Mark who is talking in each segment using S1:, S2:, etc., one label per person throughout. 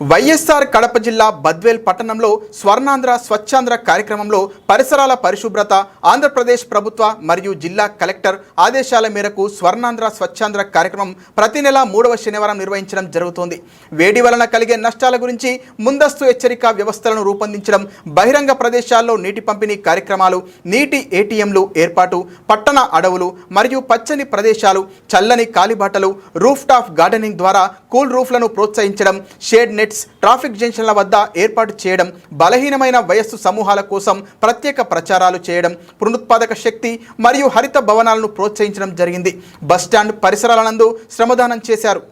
S1: వైఎస్ఆర్ కడప జిల్లా బద్వేల్ పట్టణంలో స్వర్ణాంధ్ర స్వచ్ఛాంధ్ర కార్యక్రమంలో పరిసరాల పరిశుభ్రత ఆంధ్రప్రదేశ్ ప్రభుత్వ మరియు జిల్లా కలెక్టర్ ఆదేశాల మేరకు స్వర్ణాంధ్ర స్వచ్ఛాంధ్ర కార్యక్రమం ప్రతి నెల 3వ శనివారం నిర్వహించడం జరుగుతోంది. వేడి వలన కలిగే నష్టాల గురించి ముందస్తు హెచ్చరిక వ్యవస్థలను రూపొందించడం, బహిరంగ ప్రదేశాల్లో నీటి పంపిణీ కార్యక్రమాలు, నీటి ఏటీఎంలు ఏర్పాటు, పట్టణ అడవులు మరియు పచ్చని ప్రదేశాలు, చల్లని కాలిబాటలు, రూఫ్ టాప్ గార్డెనింగ్ ద్వారా కూల్ రూఫ్లను ప్రోత్సహించడం, షేడ్ నెట్స్, ట్రాఫిక్ జంక్షన్ల వద్ద ఏర్పాటు చేయడం, బలహీనమైన వయస్సు సమూహాల కోసం ప్రత్యేక ప్రచారాలు చేయడం, పునరుత్పాదక శక్తి మరియు హరిత భవనాలను ప్రోత్సహించడం జరిగింది. బస్టాండ్ పరిసరాల నందు శ్రమదానం చేశారు.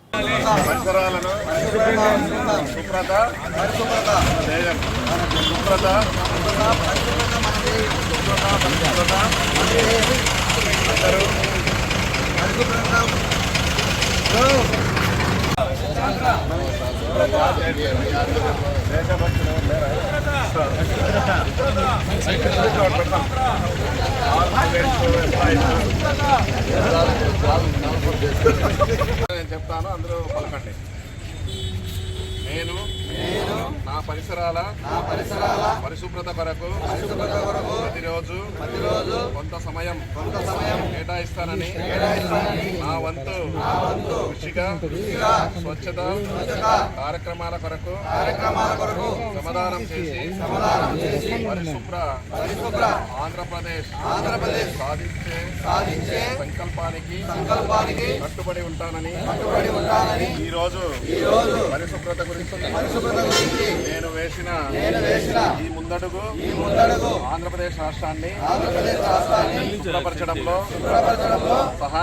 S2: నేను చెప్తాను, అందరూ పలకండి. నేను నా పరిసరాల పరిశుభ్రత కొరకు ప్రతిరోజు కొంత సమయం కేటాయిస్తానని నా వంతు కృషిగా స్వచ్ఛత కార్యక్రమాల కొరకు శ్రమదానం చేసి పరిశుభ్ర ఆంధ్రప్రదేశ్ సాధించే సంకల్పానికి కట్టుబడి ఉంటానని ఈరోజు పరిశుభ్రత గురించి నేను వేసిన ఈ ముందడుగు ఆంధ్రప్రదేశ్ రాష్ట్రాన్ని శుభ్రపరచడంలో సహాయం